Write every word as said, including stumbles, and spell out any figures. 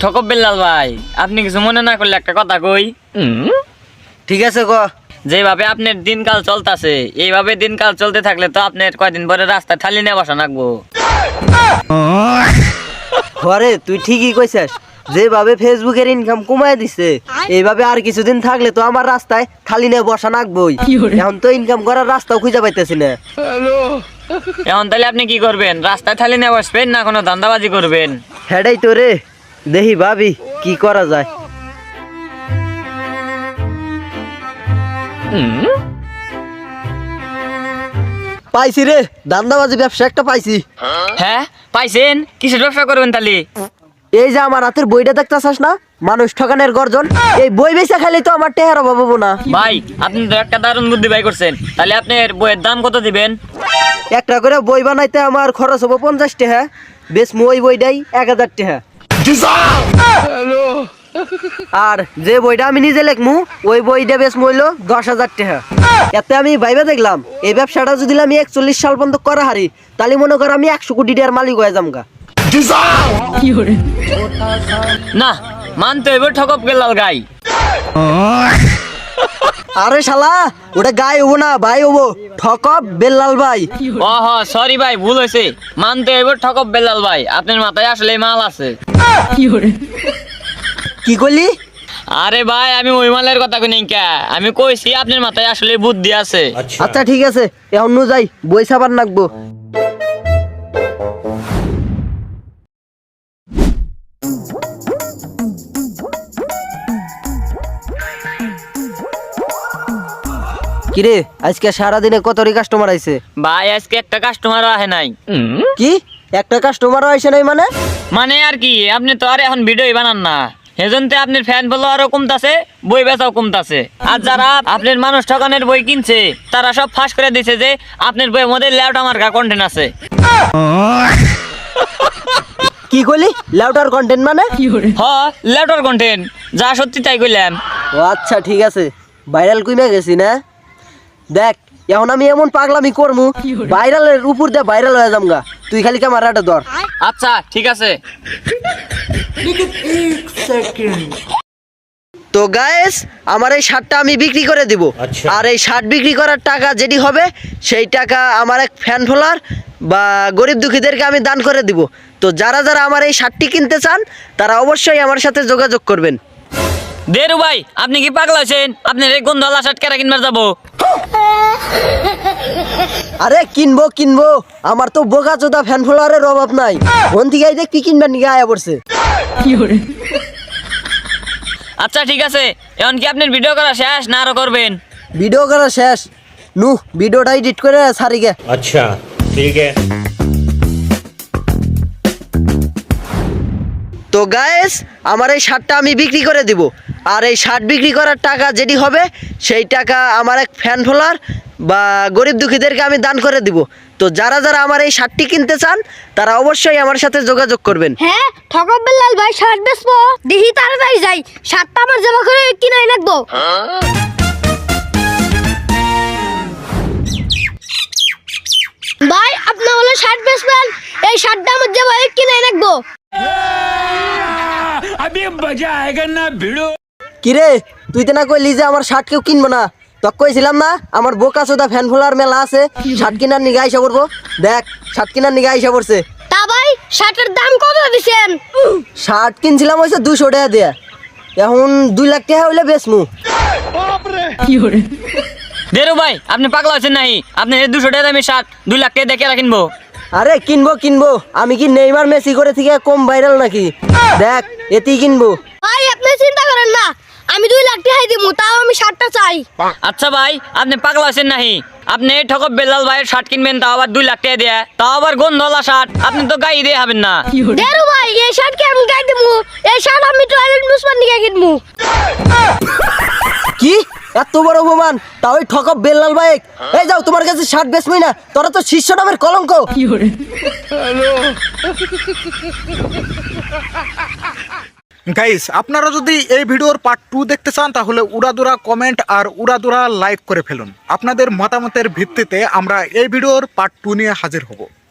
ঠকব বেল্লাল ভাই, আপনি কিছু মনে না করলে একটা কথা কই। ঠিক আছে ক। যেভাবে আপনার দিনকাল চলতেছে, এইভাবে দিনকাল চলতে থাকলে তো আপনার কয়দিন পরে রাস্তায় থালি নিয়ে বসা লাগবো। ঘরে তুই ঠিকই কইছিস, যেভাবে ফেসবুকের ইনকাম কমায় দিছে এইভাবে আর কিছুদিন থাকলে তো আমার রাস্তায় থালি নিয়ে বসা লাগবই। এখন তো ইনকাম করার রাস্তাও খুঁজে পাইতেছি না। এখন তাহলে আপনি কি করবেন? রাস্তায় থালি নিয়ে বসবেন না কোনো ধান্দাবাজি করবেন? হেডাই তো রে, দেখি ভাবি কি করা যায়। পাইছি রে, ধান্দাবাজি ব্যবসা একটা পাইছি। হ্যাঁ পাইছেন? কিসের ব্যবসা করবেন তাহলে? এই যে আমার হাতের বইটা দেখতেছাস না, মানুষ ঠকানের গর্জন, এই বই বেচা খালি তো আমার টেহার অভাব হবো না। ভাই আপনি তো একটা দারুণ বুদ্ধি ভাই করছেন। তাহলে আপনার বইয়ের দাম কত দিবেন? একটা করে বই বানাইতে আমার খরচ হবো পঞ্চাশ টাকা, বেশ ওই বইটাই এক হাজার টাকা। আর যে বইটা আমি নিজে লেখমু ওই বইটা বেশ মূল্য দশ হাজার টাকা। এতে আমি ভাইবা দেখলাম এই ব্যবসাটা যদি আমি একচল্লিশ সাল পর্যন্ত করা হারি, তাহলে মনে করো আমি একশো কোটি টাকার মালিক হয়ে যামগা। না মানতে হইব ঠকব বেল্লাল গাই। আরে শালা ওটা গাই হবো না, ভাই হবো, ঠকব বেল্লাল ভাই। ও হ সরি ভাই, ভুল হয়েছে। মানতে হইব ঠকব বেল্লাল ভাই, আপনার মাথায় আসলে মাল আছে। কি করলি? আরে ভাই আমি ওই মালের কথা কই নাই কা, আমি কইছি আপনার মাথায় আসলে বুদ্ধি আছে। আচ্ছা ঠিক আছে, এখন নু যাই, বই ছাপার নাকবো। কিরে আজকে সারাদিনে কতরি কাস্টমার আইছে? ভাই আজকে একটা কাস্টমারও আহে নাই। কি একটা কাস্টমারও আইছে নাই মানে? মানে আর কি, আপনি তো আর এখন ভিডিওই বানান না, সেজন্যে আপনার ফ্যান ফলোয়ারও কমতাছে, বই বেচাও কমতাছে। আর যারা আপনার মানুষ ঠকানের বই কিনছে তারা সব ফাঁস করে দিছে যে আপনার বইয়ের মধ্যে ল্যাউটা মার্কা কন্টেন্ট আছে। কি কইলি? লাউটার কন্টেন্ট মানে? হ ল্যাউটার কন্টেন্ট, যা সত্যি তাই কইলাম। ও আচ্ছা ঠিক আছে, ভাইরাল কইমা গেছি না। দেখ এখন আমি এমন পাগলামি করমু, ভাইরালের উপর দিয়ে ভাইরাল হয়ে যামগা। তুই খালি ক্যামেরাটা ধর। আচ্ছা ঠিক আছে। তো গাইস আমার এই শার্টটা আমি বিক্রি করে দিব। আর এই শার্ট বিক্রি করার টাকা যেটি হবে সেই টাকা আমার এক ফ্যান ফলোয়ার বা গরিব দুঃখীদেরকে আমি দান করে দিব। তো যারা যারা আমার এই শার্টটি কিনতে চান তারা অবশ্যই আমার সাথে যোগাযোগ করবেন। দেরু ভাই আপনি কি পাগলা হয়েছেন? আপনার এই গন্ধওয়ালা শার্ট কেরা কিনবার যাবো? আরে কিনবো কিনবো, আমার তো বোকা চোদা ফ্যান ফলোয়ারের অভাব নাই। ফোন থেকে দেখ কি কিনবার নিয়ে আয়া পড়ছে। আচ্ছা ঠিক আছে, এখন কি আপনার ভিডিও করা শেষ না আরো করবেন? ভিডিও করা শেষ, নু ভিডিওটা এডিট করে সারি গে। अच्छा ठीक है। তো গাইস আমার এই শার্টটা আমি বিক্রি করে দিব। আর এই শার্ট বিক্রি করার টাকা যেটি হবে সেই টাকা আমার এক ফ্যান ফলোয়ার বা গরিব দুঃখীদেরকে আমি দান করে দিব। তো যারা যারা আমার এই শার্টটি কিনতে চান তারা অবশ্যই আমার সাথে যোগাযোগ করবেন। হ্যাঁ ঠকব বেল্লাল ভাই শার্ট বেচবো, দেখি তাড়াতাড়ি যাই, শার্টটা আমার জমা করে কিনাই রাখবো। ভাই আপনি হলো শার্ট বেচবেন, এই শার্টটা আমার জমা করে কিনাই রাখবো। কিরে তুই তো না কইলি যে আমার শার্ট কেউ কিনবো না? তোকে কইছিলাম না আমার বোকা চোদা ফ্যান ফলোয়ার মেলা আছে, শার্ট কিনার নিগে আইসা পড়বো। দেখ শার্ট কিনার নিগে আইসা পড়ছে। তা ভাই শার্টের দাম কত দিছেন? শার্ট কিনছিলাম হয়েছে দুশো টাকা দিয়ে, এখন দুই লাখ টাকা হইলে বেচমু। দেরু ভাই আপনি পাগলা হয়েছেন নাই? আপনি এই দুশো টাকা দামি শার্ট দুই লাখ টাকা দেখে কিনবো? আরে কিনবো কিনবো, আমি কি নেইমার মেসি করে থেকে কম ভাইরাল নাকি? দেখ এতেই কিনবো। ভাই আপনি চিন্তা করেন না, আমি দুই লাখ টাকা দিব, তাও আমি শার্টটা চাই। আচ্ছা ভাই আপনি পাগলা হয়েছেন নাই? আপনি এই ঠকব বেল্লাল ভাইয়ের শার্ট কিনবেন, তাও আবার দুই লাখ টাকা দিয়ে, তাও আবার গন্ধওয়ালা শার্ট, আপনি তো গাই দিয়ে হবেন না। দেরু ভাই এই শার্ট কি আমি গাই দিমু? এই শার্ট আমি টয়লেট মুসমান নিয়ে কিনবু। কি এত বড় অপমান, তাও ওই ঠকব বেল্লাল বাইক? এই যাও, তোমার কাছে শার্ট বেচবই না, তোরা তো শীর্ষ নামের কলঙ্ক। গাইস আপনারা যদি এই ভিডিওর পার্ট টু দেখতে চান তাহলে উড়াদুরা কমেন্ট আর উড়াদুরা লাইক করে ফেলুন। আপনাদের মতামতের ভিত্তিতে আমরা এই ভিডিওর পার্ট টু নিয়ে হাজির হব।